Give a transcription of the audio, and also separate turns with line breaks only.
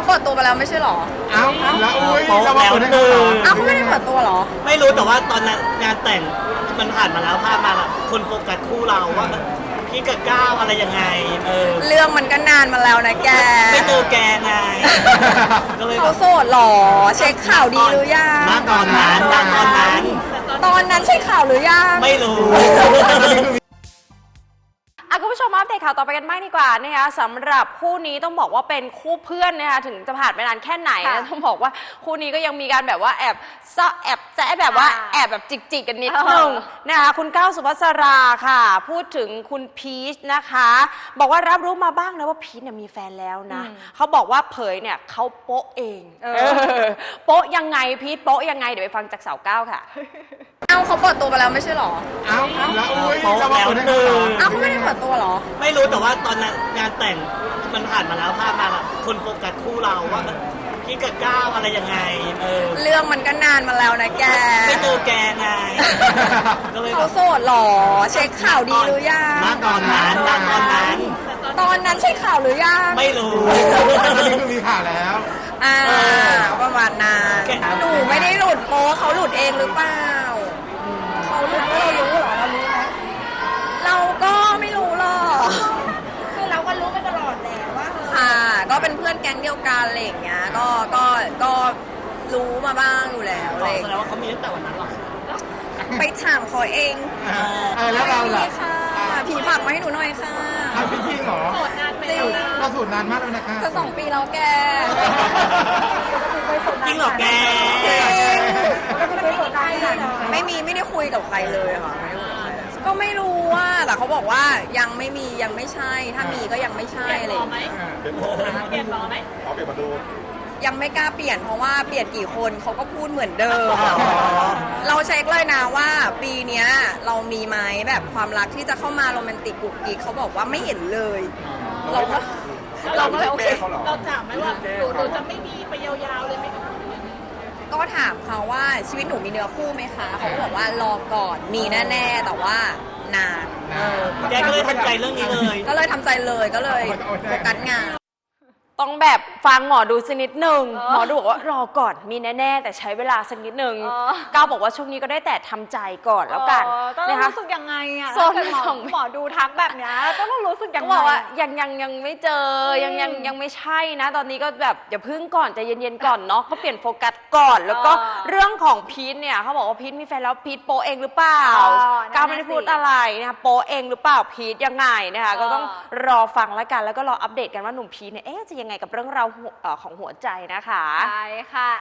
เปิดตัวไปแล้วไม่ใช่หรอ
เอ้าแล้วอุ้ย
เรามาเปิดให้เขา
อ้าวเขาไม่ได้เปิดตัวหรอ
ไม่รู้แต่ว่าตอนนั้นงานแต่งมันผ่านมาแล้วภาพมาแล้วคนโฟกัสคู่เราว่าพี่กับก้าวอะไรยังไง
เรื่องมันก็นานมาแล้วนะแก
ไม่เจอแกไงก็เลย
เขาโสดหรอเช็คข่าวดีหรือยัง
ตอนนั้น
ใช่ข่าวหรือยัง
ไม่รู้
คุณผู้ชมอัปเดตข่าวต่อไปกันบ้างดีกว่านะคะสำหรับคู่นี้ต้องบอกว่าเป็นคู่เพื่อนนะคะถึงจะผ่านไปนานแค่ไหนนะต้องบอกว่าคู่นี้ก็ยังมีการแบบว่าแอบแซะแบบว่าแอบแบบจิกกันนิดนึงนะคะคุณก้าวสุภัสราค่ะพูดถึงคุณพีชนะคะบอกว่ารับรู้มาบ้างนะว่าพีชเนี่ยมีแฟนแล้วนะเขาบอกว่าเผยเนี่ยเขาโป๊ะเองโป๊ะยังไงพีชโป๊ะยังไงเดี๋ยวไปฟังจากสาวก้าวค่ะ
เขาเปิดตัวไปแล้วไม่ใช่หรอ
เอ้าแล้วอุ้ยเรามาเปิดให้เขา
เขาไม่ได้เปิดตัวหรอ
ไม่รู้แต่ว่าตอนนั้นงานแต่งมันผ่านมาแล้วภาพมาแล้วคนโฟกัสคู่เราว่าพี่กับก้าวอะไรยังไง
เรื่องมันก็นานมาแล้วนะแก
ไม่เจอแกไงก็เลย
เขาโสดหรอเช็คข่าวดีหรือยัง
ตอน
นั้นใช่ข่าวหรือยัง
ไม่รู้
นี่คือมีข่าวแล้ว
ประมาณนั้นหนูไม่ได้หลุดโป๊เขาหลุดเองหรือเปล่าเขาหลุดเรารู้เหรอเรารู้ไหมเราก็ไม่รู้หรอกคือเราก็รู้มาตลอดแหละว่าค่ะก็เป็นเพื่อนแก๊งเดียวกันอะไรอย่างเงี้ยก็รู้มาบ้างอยู่แล้วอะไร
แสดงว่าเขามีตั้งแต่วันนั้นหรอ
ไปถามเขาเอง
แล้วเราล่ะ
ค่ะผีผักมาให้หนูหน่อยค่ะ
พี่จริงเหรอ
โสดนานไปแล้ว
เราสูตรนานมากแล้วนะคะ
จะ2 ปีแล้วแก
จริงเหรอแก
ไม่ได้คุยกับใครเลยค่ะก็ไม่รู้ว่าแต่เขาบอกว่ายังไม่มียังไม่ใช่ถ้ามีก็ยังไม่ใช่อะไร
เปลี่ยนหรอไหมเปลี่ยนมาดู
ยังไม่กล้าเปลี่ยนเพราะว่าเปลี่ยนกี่คนเขาก็พูดเหมือนเดิมเราเช็คเลยนะว่าปีนี้เรามีไหมแบบความรักที่จะเข้ามาโรแมนติกกุ๊กกิ๊กเขาบอกว่าไม่เห็นเลยเราก็เลยโอเค
เราถามไหมว่าหนูจะไม่มีไปยาวๆเลยไหม
ก็ถามเขาว่าชีวิตหนูมีเนื้อคู่ไหมคะเขาบอกว่ารอก่อนมีแน่ๆแต่ว่านาน
แกก็เลยทำใจเรื่องนี้เลย
ก็เลยทำใจเลยก็เลยโฟกัสงาน
ต้องแบบฟังหมอดูสักนิดหนึ่งหมอดูบอกว่ารอก่อนมีแน่ๆแต่ใช้เวลาสักนิดหนึ่งก้าวบอกว่าช่วงนี้ก็ได้แต่ทำใจก่อนแล้วกัน
นะคะรู้สึกยังไงอ่ะหมอดูทักแบบนี้ต้องรู้สึกยังไง
บอกว่ายังไม่เจอยังไม่ใช่นะตอนนี้ก็แบบอย่าพึ่งก่อนใจเย็นๆก่อนเนาะก็เปลี่ยนโฟกัสก่อนแล้วก็เรื่องของพีทเนี่ยเขาบอกว่าพีทมีแฟนแล้วพีทโปเองหรือเปล่าก้าวไม่ได้พูดอะไรนะคะโปเองหรือเปล่าพีทยังไงนะคะก็ต้องรอฟังแล้วกันแล้วก็รออัปเดตกันว่าหนุ่มพีทเนี่ยจะยังไงกับเรื่องราวของหัวใจนะคะ
ใช่ค่ะ